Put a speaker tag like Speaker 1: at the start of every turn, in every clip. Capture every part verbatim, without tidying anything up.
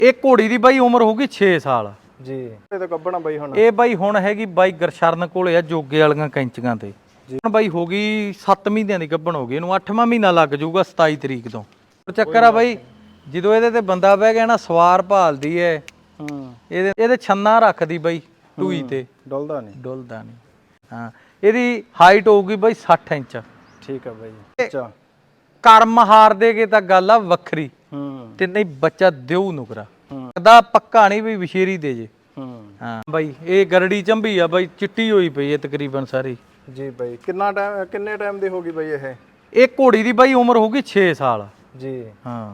Speaker 1: ਇਹ ਘੋੜੀ ਦੀ ਬਾਈ ਉਮਰ ਹੋਊਗੀ ਛੇ ਸਾਲ
Speaker 2: ਜੀ। ਇਹ ਤਾਂ ਗੱਬਣਾ ਬਾਈ ਹੁਣ
Speaker 1: ਇਹ ਬਾਈ ਹੁਣ ਹੈਗੀ ਬਾਈ ਗਰਸ਼ਰਨ ਕੋਲੇ ਆ ਜੋਗੇ ਵਾਲੀਆਂ ਕੈਂਚੀਆਂ ਤੇ ਹੁਣ ਬਾਈ ਹੋ ਗਈ ਸੱਤ ਮਹੀਨਿਆਂ ਦੀ ਗੱਭਣ ਹੋ ਗਈ। ਇਹਨੂੰ ਅੱਠਵਾਂ ਮਹੀਨਾ ਲੱਗ ਜਾਊਗਾ ਸਤਾਈ ਤਰੀਕ ਤੋਂ। ਚੱਕਰ ਆ ਬਾਈ ਜਦੋਂ ਇਹਦੇ ਤੇ ਬੰਦਾ ਬਹਿ ਗਿਆ ਨਾ ਸਵਾਰ ਭਾਲਦੀ ਐ।
Speaker 2: ਹੂੰ
Speaker 1: ਇਹਦੇ ਇਹਦੇ ਛੰਨਾ ਰੱਖਦੀ ਬਾਈ ਟੂਈ ਤੇ
Speaker 2: ਡੁੱਲਦਾ ਨਹੀਂ
Speaker 1: ਡੁੱਲਦਾ ਨਹੀਂ। ਹਾਂ ਇਹਦੀ ਹਾਈਟ ਹੋਊਗੀ ਬਾਈ ਸੱਠ ਇੰਚ।
Speaker 2: ਠੀਕ ਆ ਬਾਈ। ਅੱਛਾ
Speaker 1: ਕਰਮ ਹਾਰ ਦੇਗੇ ਤਾਂ ਗੱਲ ਆ ਵੱਖਰੀ।
Speaker 2: ਹੂੰ
Speaker 1: ਤੇ ਨਹੀਂ ਬੱਚਾ ਦਿਉ ਨੁਕਰਾ
Speaker 2: ਹੂੰ
Speaker 1: ਦਾ ਪੱਕਾ ਨਹੀਂ ਵੀ ਵਿਸ਼ੇਰੀ ਦੇ ਜੇ।
Speaker 2: ਹੂੰ
Speaker 1: ਹਾਂ ਬਾਈ ਇਹ ਗਰੜੀ ਚੰਬੀ ਆ ਬਾਈ ਚਿੱਟੀ ਹੋਈ ਪਈ ਹੈ ਤਕਰੀਬਨ ਸਾਰੀ।
Speaker 2: ਜੀ ਬਾਈ ਕਿੰਨਾ ਟਾਈਮ ਕਿੰਨੇ ਟਾਈਮ ਦੀ ਹੋਗੀ ਬਾਈ ਇਹ?
Speaker 1: ਇਹ ਘੋੜੀ ਦੀ ਬਾਈ ਉਮਰ ਹੋਊਗੀ ਛੇ ਸਾਲ
Speaker 2: ਜੀ।
Speaker 1: ਹਾਂ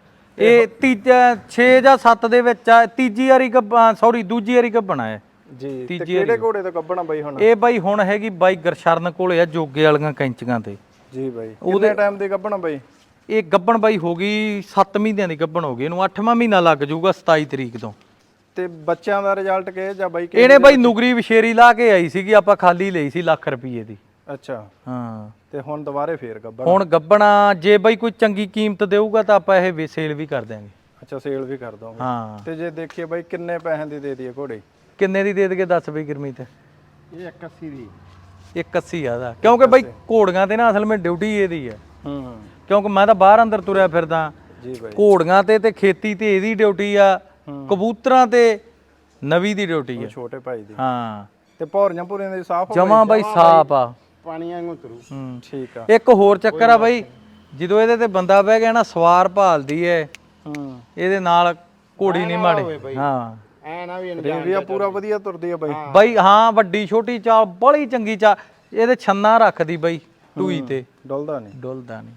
Speaker 1: ਇਹ ਤੀਜਾ ਛੇ ਜਾਂ ਸੱਤ ਦੇ ਵਿੱਚ ਆ ਤੀਜੀ ਵਾਰੀ ਸੌਰੀ ਦੂਜੀ ਵਾਰੀ ਗੱਭਣਾ ਹੈ
Speaker 2: ਜੀ। ਤੇ ਕਿਹੜੇ ਘੋੜੇ ਤੋਂ ਗੱਭਣਾ ਬਾਈ ਹੁਣ?
Speaker 1: ਇਹ ਬਾਈ ਹੁਣ ਹੈਗੀ ਬਾਈ ਗਰਸ਼ਰਨ ਕੋਲੇ ਆ ਜੋਗੇ ਵਾਲੀਆਂ ਕੈਂਚੀਆਂ ਤੇ।
Speaker 2: ਜੀ ਬਾਈ ਕਿੰਨੇ ਟਾਈਮ ਦੀ ਗੱਭਣਾ ਬਾਈ?
Speaker 1: ਇਹ ਗੱਭਣ ਬਾਈ ਹੋ ਗਈ ਸੱਤ ਮਹੀਨਿਆਂ ਦੀ ਗੱਭਣ ਹੋ ਗਈ। ਇਹਨੂੰ ਅੱਠਵਾਂ ਮਹੀਨਾ ਲੱਗ ਜਾਊਗਾ ਸਤਾਈ ਤਰੀਕ ਤੋਂ।
Speaker 2: ਤੇ ਬੱਚਿਆਂ ਦਾ ਰਿਜ਼ਲਟ ਕਿਹ ਜਾਂ ਬਾਈ?
Speaker 1: ਇਹਨੇ ਬਾਈ ਨੁਗਰੀ ਵਿਸ਼ੇਰੀ ਲਾ ਕੇ ਆਈ ਸੀਗੀ ਆਪਾਂ ਖਾਲੀ ਲਈ ਸੀ ਲੱਖ ਰੁਪਏ ਦੀ।
Speaker 2: ਅੱਛਾ
Speaker 1: ਹਾਂ
Speaker 2: ਤੇ ਹੁਣ ਦੁਬਾਰੇ ਫੇਰ ਗੱਭਣ?
Speaker 1: ਹੁਣ ਗੱਭਣਾ ਜੇ ਬਾਈ ਕੋਈ ਚੰਗੀ ਕੀਮਤ ਦੇਊਗਾ ਤਾਂ ਆਪਾਂ ਇਹ ਸੇਲ ਵੀ ਕਰ ਦਿਆਂਗੇ।
Speaker 2: ਅੱਛਾ ਸੇਲ ਵੀ ਕਰ ਦੋਗੇ?
Speaker 1: ਹਾਂ।
Speaker 2: ਤੇ ਜੇ ਦੇਖੀਏ ਬਾਈ ਕਿੰਨੇ ਪੈਸਿਆਂ ਦੀ ਦੇ ਦਈਏ ਘੋੜੀ?
Speaker 1: ਕਿੰਨੇ ਦੀ ਦੇ ਦਈਏ ਦੱਸ ਬਈ ਗੁਰਮੀਤ?
Speaker 2: ਇਹ ਇੱਕ ਅੱਸੀ ਦੀ।
Speaker 1: ਇੱਕ ਅੱਸੀ ਆ ਦਾ ਕਿਉਂਕਿ ਬਾਈ ਘੋੜੀਆਂ ਤੇ ਨਾ ਅਸਲ ਵਿੱਚ ਡਿਊਟੀ ਇਹਦੀ ਆ।
Speaker 2: ਹੂੰ
Speaker 1: ਕਿਉਂਕਿ ਮੈਂ ਤਾਂ ਬਾਹਰ ਅੰਦਰ ਤੁਰਿਆ ਫਿਰਦਾ।
Speaker 2: ਜੀ ਬਾਈ
Speaker 1: ਘੋੜੀਆਂ ਤੇ ਤੇ ਖੇਤੀ ਤੇ ਇਹਦੀ ਡਿਊਟੀ ਆ। ਕਬੂਤਰਾਂ ਤੇ ਨਵੀਂ ਦੀ ਡਿਊਟੀ ਆ
Speaker 2: ਛੋਟੇ ਭਾਈ ਦੀ।
Speaker 1: ਹਾਂ
Speaker 2: ਤੇ ਭੌਰੀਆਂ ਭੂਰੀਆਂ ਦੀ ਸਾਫ਼ ਹੋ
Speaker 1: ਜਮਾ ਬਾਈ ਸਾਫ ਆ।
Speaker 2: ਪਾਣੀਆਂ ਵਾਂਗੂ ਤੁਰੂ। ਹੂੰ ਠੀਕ ਆ।
Speaker 1: ਇੱਕ ਹੋਰ ਚੱਕਰ ਆ ਬਾਈ ਜਦੋਂ ਇਹਦੇ ਤੇ ਬੰਦਾ ਬਹਿ ਗਿਆ ਨਾ ਸਵਾਰ ਭਾਲਦੀ ਐ।
Speaker 2: ਹੂੰ
Speaker 1: ਇਹਦੇ ਨਾਲ ਘੋੜੀ ਨਹੀਂ ਮਾੜੀ। ਹਾਂ
Speaker 2: ਐ ਨਾ ਵੀ ਰੇਵੀਆ ਪੂਰਾ ਵਧੀਆ ਤੁਰਦੀ ਆ ਬਾਈ।
Speaker 1: ਬਾਈ ਹਾਂ ਵੱਡੀ ਛੋਟੀ ਚਾਲ ਬੜੀ ਚੰਗੀ ਚਾਲ। ਇਹਦੇ ਛੰਨਾ ਰੱਖਦੀ ਬਾਈ ਟੂਈ ਤੇ
Speaker 2: ਡੁੱਲਦਾ ਨਹੀਂ
Speaker 1: ਡੁੱਲਦਾ ਨਹੀਂ।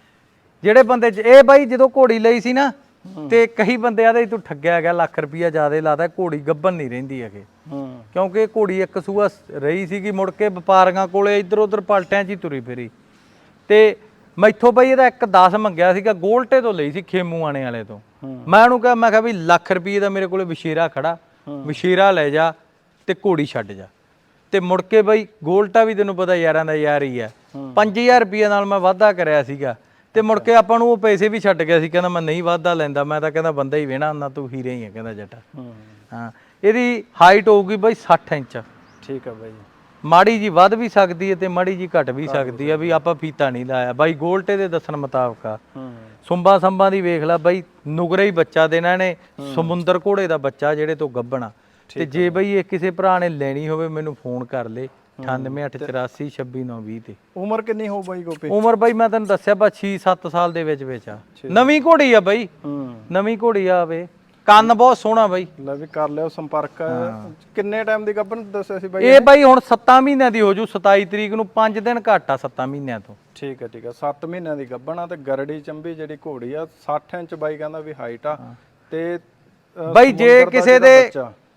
Speaker 1: ਜਿਹੜੇ ਬੰਦੇ ਇਹ ਬਾਈ ਜਦੋਂ ਘੋੜੀ ਲਈ ਸੀ ਨਾ ਤੇ ਕਈ ਬੰਦੇ ਆਦੇ ਤੂੰ ਠੱਗਿਆ ਗਿਆ ਲੱਖ ਰੁਪਈਆ ਜ਼ਿਆਦਾ ਲਾਦਾ ਘੋੜੀ ਗੱਭਣ ਨਹੀਂ ਰਹਿੰਦੀ ਹੈਗੇ। ਕਿਉਂਕਿ ਘੋੜੀ ਇੱਕ ਸੂਆ ਰਹੀ ਸੀਗੀ ਮੁੜ ਕੇ ਵਪਾਰੀਆਂ ਕੋਲੇ ਇੱਧਰ ਉੱਧਰ ਪਲਟਿਆਂ 'ਚ ਹੀ ਤੁਰੀ ਫਿਰੀ। ਤੇ ਮੈਥੋਂ ਬਾਈ ਇਹਦਾ ਇੱਕ ਦਸ ਮੰਗਿਆ ਸੀਗਾ ਗੋਲਟੇ ਤੋਂ ਲਈ ਸੀ ਖੇਮੂ ਆਣੇ ਵਾਲੇ ਤੋਂ। ਮੈਂ ਉਹਨੂੰ ਕਿਹਾ ਮੈਂ ਕਿਹਾ ਵੀ ਲੱਖ ਰੁਪਈਏ ਦਾ ਮੇਰੇ ਕੋਲੇ ਵਿਸ਼ੇਰਾ ਖੜਾ ਵਿਸ਼ੇਰਾ ਲੈ ਜਾ ਤੇ ਘੋੜੀ ਛੱਡ ਜਾ। ਤੇ ਮੁੜ ਕੇ ਬਾਈ ਗੋਲਟਾ ਵੀ ਤੈਨੂੰ ਪਤਾ ਯਾਰਾਂ ਦਾ ਯਾਰ ਹੀ ਆ। ਪੰਜ ਹਜ਼ਾਰ ਰੁਪਈਏ ਨਾਲ ਮੈਂ ਵਾਧਾ ਕਰਿਆ ਸੀਗਾ ਤੇ ਮੁੜ ਕੇ ਆਪਾਂ ਨੂੰ ਉਹ ਪੈਸੇ ਵੀ ਛੱਡ ਗਿਆ ਸੀ। ਕਹਿੰਦਾ ਮੈਂ ਨਹੀਂ ਵਾਧਾ ਲੈਂਦਾ ਮੈਂ ਤਾਂ ਕਹਿੰਦਾ ਬੰਦਾ ਹੀ ਵੇਣਾ ਹੁੰਦਾ ਤੂੰ ਹੀਰੇ ਹੀ ਆ ਕਹਿੰਦਾ ਜੱਟਾ। ਹਾਂ ਇਹਦੀ ਹਾਈਟ ਹੋਊਗੀ ਬਾਈ ਸੱਠ ਇੰਚ।
Speaker 2: ਠੀਕ ਆ ਬਾਈ।
Speaker 1: ਮਾੜੀ ਜੀ ਵੱਧ ਵੀ ਸਕਦੀ ਹੈ ਤੇ ਮਾੜੀ ਜੀ ਘਟ ਵੀ ਸਕਦੀ ਆ ਵੀ ਆਪਾਂ ਫੀਤਾ ਨਹੀਂ ਲਾਇਆ ਬਾਈ ਗੋਲਟੇ ਦੇ ਦੱਸਣ ਮੁਤਾਬਕ ਆ। ਸੁੰਬਾ ਸੰਬਾ ਦੀ ਵੇਖ ਲੈ ਬਾਈ ਨੁਗਰਾ ਹੀ ਬੱਚਾ ਦੇਣਾ ਨੇ ਸਮੁੰਦਰ ਘੋੜੇ ਦਾ ਬੱਚਾ ਜਿਹੜੇ ਤੋਂ ਗੱਭਣਾ। ਤੇ ਜੇ ਬਈ ਇਹ ਕਿਸੇ ਭਰਾ ਨੇ ਲੈਣੀ ਹੋਵੇ ਮੈਨੂੰ ਫੋਨ ਕਰ ਲੈ ਅਠਾਨਵੇਂ ਅੱਠ ਚੁਰਾਸੀ ਛੱਬੀ ਨੌ ਵੀਹ ਤੇ।
Speaker 2: ਉਮਰ ਕਿੰਨੀ ਹੋ ਬਾਈ ਗੋਪੀ?
Speaker 1: ਉਮਰ ਬਾਈ ਮੈਂ ਤੈਨੂੰ ਦੱਸਿਆ ਬਾ ਛੇ ਸੱਤ ਸਾਲ ਦੇ ਵਿੱਚ ਵਿੱਚ ਆ। ਨਵੀਂ ਘੋੜੀ ਆ ਬਾਈ ਨਵੀਂ ਘੋੜੀ ਆ ਵੇ ਕੰਨ ਬਹੁਤ ਸੋਹਣਾ ਬਾਈ।
Speaker 2: ਲੈ ਵੀ ਕਰ ਲਿਓ ਸੰਪਰਕ। ਕਿੰਨੇ ਟਾਈਮ ਦੀ ਗੱਭਣ ਦੱਸਿਆ ਸੀ ਬਾਈ?
Speaker 1: ਇਹ ਬਾਈ ਹੁਣ ਸੱਤਾਂ ਮਹੀਨਿਆਂ ਦੀ ਹੋ ਜੂ ਸਤਾਈ ਤਰੀਕ ਨੂੰ ਪੰਜ ਦਿਨ ਘੱਟ ਆ ਸੱਤਾਂ ਮਹੀਨਿਆਂ ਤੋਂ।
Speaker 2: ਠੀਕ ਆ ਠੀਕ ਆ ਸੱਤ ਮਹੀਨਿਆਂ ਦੀ ਗੱਭਣ ਆ ਤੇ ਗਰੜੀ ਚੰਬੀ ਜਿਹੜੀ ਘੋੜੀ ਆ ਸੱਠ ਇੰਚ ਬਾਈ ਕਹਿੰਦਾ ਵੀ ਹਾਈਟ ਆ। ਤੇ
Speaker 1: ਬਾਈ ਜੇ ਕਿਸੇ ਦੇ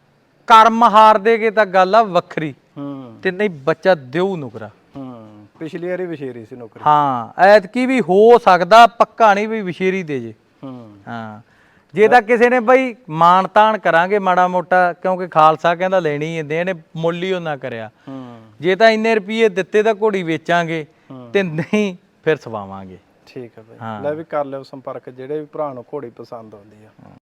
Speaker 1: ਕਰਮ ਹਾਰ ਦੇਗੇ ਤਾਂ ਗੱਲ ਆ ਵੱਖਰੀ।
Speaker 2: ਹੂੰ
Speaker 1: ਤੇ ਨਹੀਂ ਬੱਚਾ ਦਿਉ ਨੁਕਰਾ।
Speaker 2: ਹੂੰ ਪਿਛਲੀ ਵਾਰੀ ਵਿਸ਼ੇਰੀ ਸੀ ਨੌਕਰੀ।
Speaker 1: ਹਾਂ ਐਤਕੀ ਵੀ ਹੋ ਸਕਦਾ ਪੱਕਾ ਨਹੀਂ ਵੀ ਵਿਸ਼ੇਰੀ ਦੇ ਜੇ।
Speaker 2: ਹੂੰ
Speaker 1: ਹਾਂ ਜੇ ਤਾਂ ਕਿਸੇ ਨੇ ਬਾਈ ਮਾਣ ਤਾਣ ਕਰਾਂਗੇ ਮਾੜਾ ਮੋਟਾ ਕਿਉਂਕਿ ਖਾਲਸਾ ਕਹਿੰਦਾ ਲੈਣੀ ਹੁੰਦੇ ਇਹਨੇ ਮੁੱਲ ਹੀ ਉਹਨਾਂ ਕਰਿਆ। ਜੇ ਤਾਂ ਇੰਨੇ ਰੁਪਏ ਦਿੱਤੇ ਤਾਂ ਘੋੜੀ ਵੇਚਾਂਗੇ ਤੇ ਨਹੀਂ ਫਿਰ ਸਵਾਵਾਂਗੇ।
Speaker 2: ਠੀਕ ਹੈ ਬਾਈ ਲੈ ਵੀ ਕਰ ਲਿਓ ਸੰਪਰਕ ਜਿਹੜੇ ਵੀ ਭਰਾ ਨੂੰ ਘੋੜੀ ਪਸੰਦ ਆਉਂਦੀ ਆ।